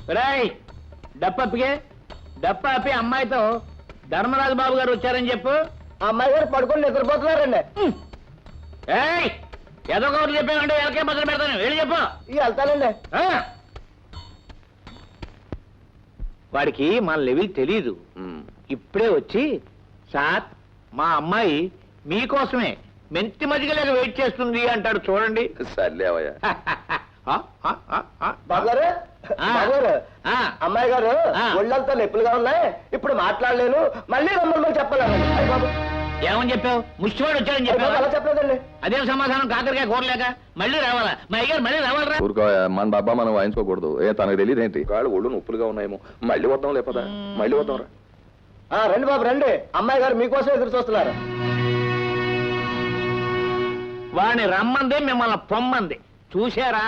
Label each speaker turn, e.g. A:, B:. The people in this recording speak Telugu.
A: రాయ్ డప్పప్పికే డప్పాపి అమ్మాయితో ధర్మరాజు బాబు గారు వచ్చారని చెప్పు.
B: ఆ అమ్మాయి గారు పడుకొని నిద్రపోతున్నారండి.
A: ఏయ్ ఏదో ఒకటి చెప్పామంటే ఎలకే మొదలు పెడతాను, వెళ్ళి చెప్పు.
B: వెళ్తానండి.
A: వాడికి మన లెవెల్ తెలీదు. ఇప్పుడే వచ్చి సార్ మా అమ్మాయి మీకోసమే మెంతి మజ్జిగ లేక వెయిట్ చేస్తుంది అంటాడు చూడండి.
C: సర్లేవయ్యా.
B: బాబు గారు అమ్మాయి గారు ఒళ్ళంతా నొప్పులుగా ఉన్నాయి, ఇప్పుడు మాట్లాడలేను, మళ్ళీ రమ్మని చెప్పాలండి. అయ్యి బాబు
A: ఏమని చెప్పావు? ముష్టివాడు వచ్చాడని చెప్పావు.
B: అలా చెప్పలేదండి.
A: అదేం సమాధానం? కాకరకాయ కూరలేక మళ్ళీ రావాలా? మా అయ్యారు మళ్ళీ రావాలరా?
C: ఊరుకోయా, మన డబ్బా మనం వాయించుకోకూడదు. తనకు తెలియదు ఏంటి, కాళ్ళు ఒళ్ళు నొప్పులుగా ఉన్నాయేమో. మళ్ళీ వద్దాం లేపదా, మళ్ళీ వద్దాం రా.
B: రండి బాబు రండి, అమ్మాయి గారు మీకోసం ఎదురు చూస్తున్నారు.
A: వాడిని రమ్మంది, మిమ్మల్ని పొమ్మంది. చూసారా